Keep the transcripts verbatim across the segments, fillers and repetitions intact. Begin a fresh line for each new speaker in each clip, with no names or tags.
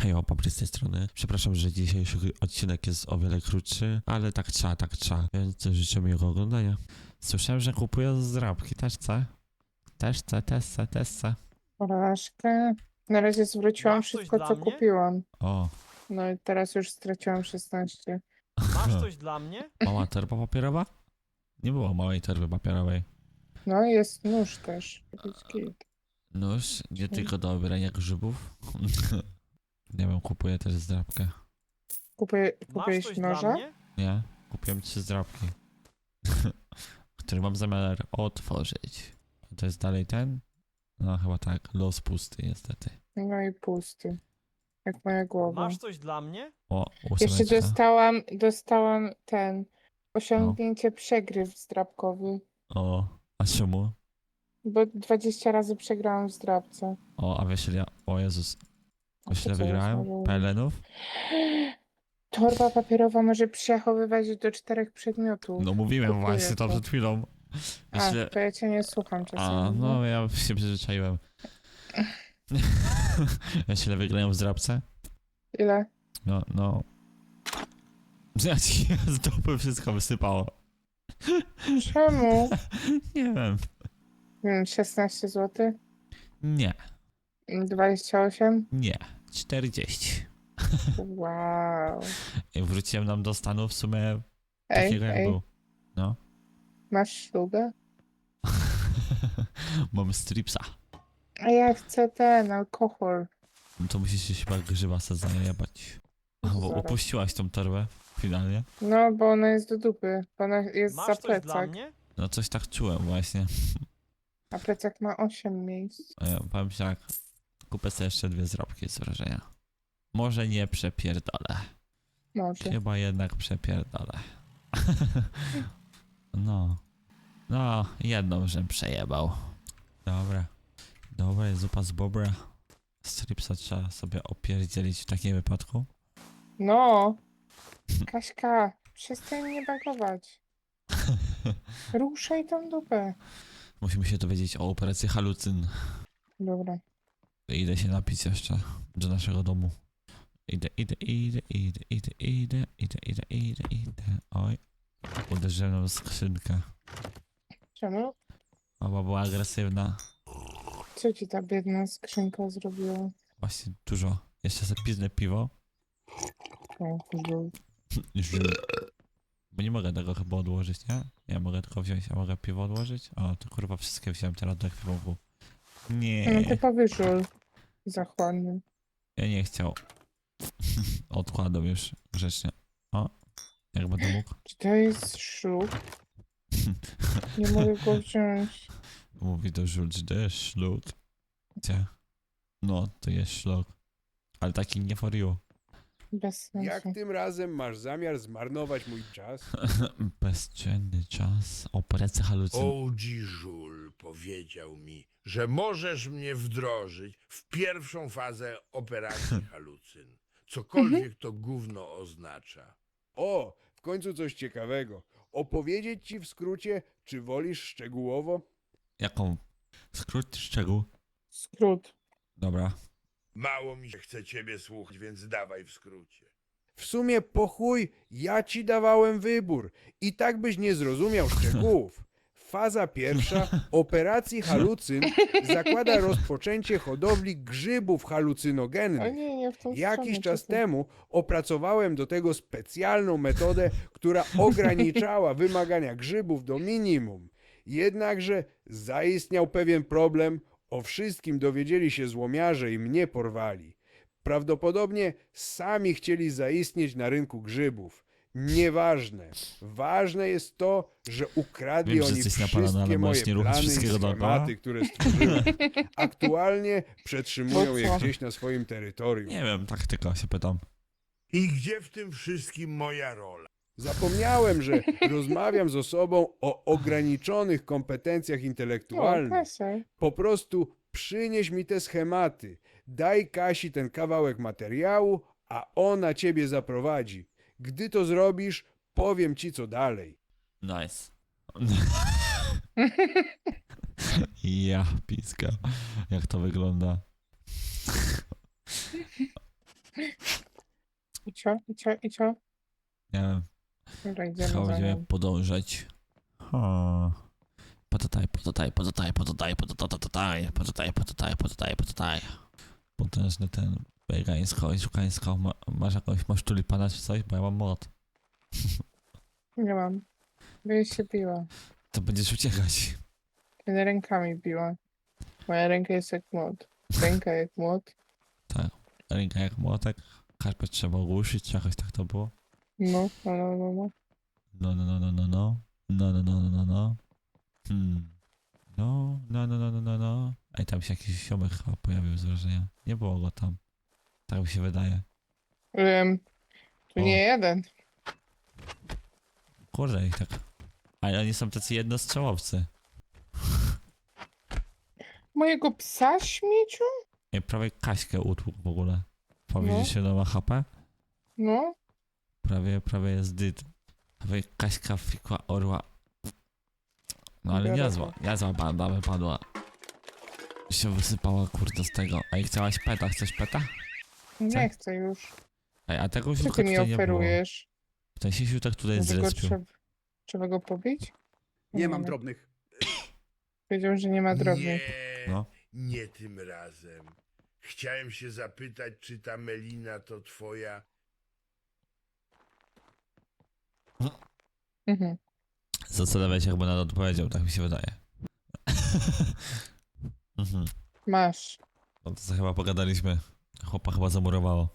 Hej, Papry z tej strony. Przepraszam, że dzisiejszy odcinek jest o wiele krótszy, ale tak trzeba, tak trzeba, więc życzę miłego oglądania. Słyszałem, że kupują zdrabki, też chcę? Też chcę, też chcę, też chcę.
Porażkę. Na razie zwróciłam
Masz coś
wszystko,
dla
co
mnie?
kupiłam.
O,
No i teraz już straciłam szesnaście.
Masz coś dla mnie?
mała torba papierowa? Nie było małej torby papierowej.
No i jest nóż też. Jakiś git.
Nóż, nie tylko do obierania grzybów. Nie wiem, kupuję też zdrabkę.
Kupuję,
Masz
kupiłeś
coś dla
noża?
mnie?
Nie, kupiłem trzy zdrabki. Który mam zamiar otworzyć. To jest dalej ten? No chyba tak, los pusty niestety.
No i pusty. Jak moja głowa.
Masz coś dla mnie?
O,
Jeszcze
ósemeczka.
dostałam, dostałam ten osiągnięcie przegryw zdrabkowy.
O, a czemu?
Bo dwadzieścia razy przegrałam w zdrabce.
O, a wiesz ile ja... O Jezus.
A
Wiesz
to
ile
co jest
wygrałem?
może-
Pelenów?
Torba papierowa może przechowywać do czterech przedmiotów.
No mówiłem
Kupuję
właśnie to
to.
przed chwilą. Wiesz
A,
ile...
to ja cię nie słucham czasami.
A, no ja się przyzwyczaiłem. Wiesz ile wygrałem w zdrabce?
Ile?
No, no... Ja ci z dupy wszystko wysypało.
Czemu?
Nie wiem.
Nie wiem, szesnaście złotych?
Nie,
dwadzieścia osiem?
nie. czterdzieści.
Wow.
I wróciłem nam do stanu w sumie
Ej,
takiego jak
ej,
był. No.
masz ślubę?
Mam stripsa.
A ja chcę ten alkohol.
No to musisz się chyba grzyba sobie zajebać. A, bo
Zaraz.
upuściłaś tą torbę finalnie.
No, bo ona jest do dupy. Bo ona jest
Masz
za
coś dla
plecak.
mnie?
No coś tak czułem właśnie.
A plecak ma osiem miejsc.
A ja powiem ci tak, kupię sobie jeszcze dwie zrobki z wrażenia. Może nie przepierdolę.
Może.
Chyba jednak przepierdolę. No. No, jedną żem przejebał. Dobra. Dobra, jest zupa z bobra. Stripsa trzeba sobie opierdzielić w takim wypadku.
No. Kaśka, przestań mnie bagować. Ruszaj tą dupę.
Musimy się dowiedzieć o operacji halucyn.
Dobra.
Idę się napić jeszcze do naszego domu. Idę, idę, idę, idę, idę, idę, idę, idę, idę, idę. Oj. Uderzyłem w skrzynkę.
Czemu?
Mama była agresywna.
Co ci ta biedna skrzynka zrobiła?
Właśnie dużo. Jeszcze sobie piznę piwo.
O, Boże.
Żul. Bo nie mogę tego chyba odłożyć, nie? Nie mogę tylko wziąć, a mogę piwo odłożyć? O, to kurwa wszystkie wziąłem teraz do ekwipunku.
No
Nie,
typowy żul. Zachłanny.
ja nie chciał. Odkładam już grzecznie. O, jak będę mógł.
Czy to jest ślub? Nie mogę go wziąć.
Mówi do Żul, że to jest szluk. Gdzie? No, to jest szluk. Ale taki nie for you.
Bez sensu.
Jak tym razem masz zamiar zmarnować mój czas?
Bezcenny czas. Operacja halucyn.
O G. Żul powiedział mi, że możesz mnie wdrożyć w pierwszą fazę operacji halucyn. Cokolwiek to gówno oznacza.
O, w końcu coś ciekawego. Opowiedzieć ci w skrócie, czy wolisz szczegółowo?
Jaką? Skrót szczegół.
Skrót.
Dobra.
Mało mi się chce ciebie słuchać, więc dawaj w skrócie.
W sumie po chuj, ja ci dawałem wybór. I tak byś nie zrozumiał szczegółów. Faza pierwsza operacji halucyn zakłada rozpoczęcie hodowli grzybów
O
halucynogennych.
nie, nie w tą
Jakiś
stronę,
czas
czekaj.
temu opracowałem do tego specjalną metodę, która ograniczała wymagania grzybów do minimum. Jednakże zaistniał pewien problem, o wszystkim dowiedzieli się złomiarze i mnie porwali. Prawdopodobnie sami chcieli zaistnieć na rynku grzybów. Nieważne. Ważne jest to, że ukradli
Wiem, że
oni
jesteś napalony, ale
wszystkie moje
możesz nie robić
plany i
wszystkiego dookoła.
schematy, które stworzyłem. Aktualnie przetrzymują je
Po co?
gdzieś na swoim terytorium.
Nie wiem, tak tylko się pytam.
I gdzie w tym wszystkim moja rola?
Zapomniałem, że rozmawiam z osobą o ograniczonych kompetencjach
O,
intelektualnych.
Kasia.
Po prostu przynieś mi te schematy. Daj Kasi ten kawałek materiału, a ona ciebie zaprowadzi. Gdy to zrobisz, powiem ci co dalej.
Nice. Ja, piska. Jak to wygląda?
I co? I co? I co?
Nie wiem,
Dobra, idziemy
chyba
za
będziemy
nią.
podążać. O. Potataj, potataj, potataj, potataj, potataj, potataj, potataj, potataj, potataj. Potężny ten wegańsko i szukańsko. Ma, masz jakąś, masz tulipana czy coś? Bo ja mam młot.
Nie mam. Będę się biła.
To będziesz uciekać.
Będę rękami biła. Moja ręka jest jak młot. Ręka jak młot.
Ręka jak młotek. Karpet trzeba ogłuszyć, czy jakoś tak to było?
No, no, no, no, no.
No, no, no, no, no, no. No, no, no, no, no, no. Hmm. No, no, no, no, no, no, no. Ej, tam się jakiś ziomek chyba pojawił z wrażenia. Nie było go tam. Tak mi się wydaje.
Um, tu
O.
nie jeden.
Kurde, ich tak. Ale oni są tacy jednostrzałowcy.
Mojego psa śmieciu?
Ej, prawie Kaśkę utłukł w ogóle. Powiedzieć
No.
się nowa H P?
No.
Prawie, prawie jest dyt. Prawie Kaśka fikła orła. No ale
Biorę
niezła, niezła banda wypadła. Się wysypała kurde z tego. Ej, chciałaś peta? Chcesz peta?
Nie
Co?
chcę już.
Ej, a tego
Co
siutka
ty mi
tutaj nie było.
oferujesz?
Ten się siutek tutaj
Może go
zrespił.
trzeba, trzeba go pobić?
Nie mam
wiem.
drobnych.
Powiedział, że nie ma drobnych.
Nie,
No.
nie tym razem. Chciałem się zapytać, czy ta Melina to twoja...
Mhm.
Zastanawiam się, jakby na to odpowiedział, tak mi się wydaje. mhm.
Masz.
No to co chyba pogadaliśmy. Chłopa chyba zamurowało.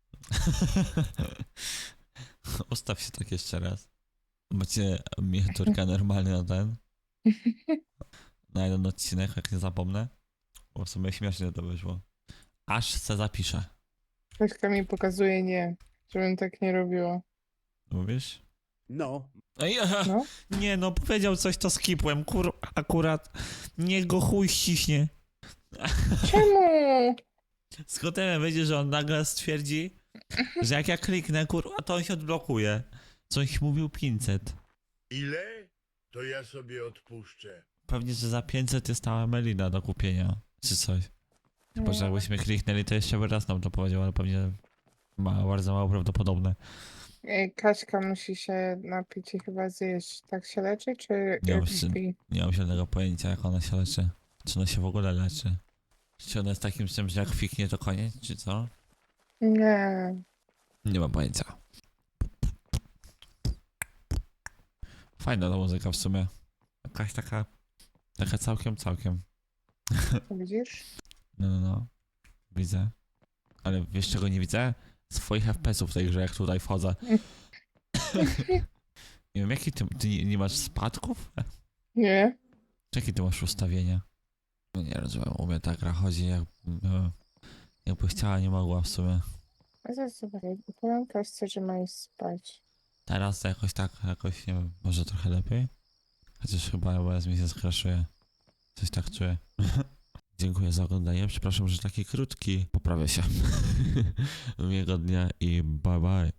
Ustaw się tak jeszcze raz. Macie miniaturkę normalnie na ten. Na jeden odcinek, jak nie zapomnę. Bo w sumie śmiesznie to wyszło. Aż se zapiszę.
Kaśka mi pokazuje nie. Żebym tak nie robiła.
Mówisz?
No,
Ej,
No.
nie no, powiedział coś, to skipłem, kur... akurat. Niech go chuj ściśnie.
Czemu?
Z Kotemem wyjdzie, że on nagle stwierdzi, że jak ja kliknę, kurwa, to on się odblokuje. Coś mówił pięćset.
Ile? To ja sobie odpuszczę.
Pewnie, że za pięćset jest ta Melina do kupienia, czy coś. Chyba, że jakbyśmy kliknęli, to jeszcze by raz nam to powiedział, ale pewnie ma bardzo mało prawdopodobne.
Ej, Kaśka musi się napić i chyba zjeść. Tak się leczy, czy
Nie
jak
mam syn.
śpi?
Nie mam żadnego pojęcia, jak ona się leczy. Czy ona się w ogóle leczy. Czy ona jest takim czymś, że jak fiknie, to koniec, czy co?
Nie.
Nie mam pojęcia. Fajna ta muzyka w sumie. Jakaś taka... Taka całkiem, całkiem.
To widzisz?
No, no, no. Widzę. Ale wiesz czego nie widzę? Swoich F P S ów w tej grze, jak tutaj wchodzę. Nie wiem, jaki ty, ty nie, nie masz spadków?
Nie.
Jakie ty masz ustawienia? No nie rozumiem, u mnie ta gra chodzi jak... No, jakby chciała, nie mogła w sumie.
A zaraz zobaczę. Powiem Kaśce, że ma iść spać.
Teraz to jakoś tak, jakoś nie wiem, może trochę lepiej? Chociaż chyba O B S mi się skraszuje. Coś tak czuję. Dziękuję za oglądanie. Przepraszam, że taki krótki. Poprawię się. Miłego dnia i bye bye.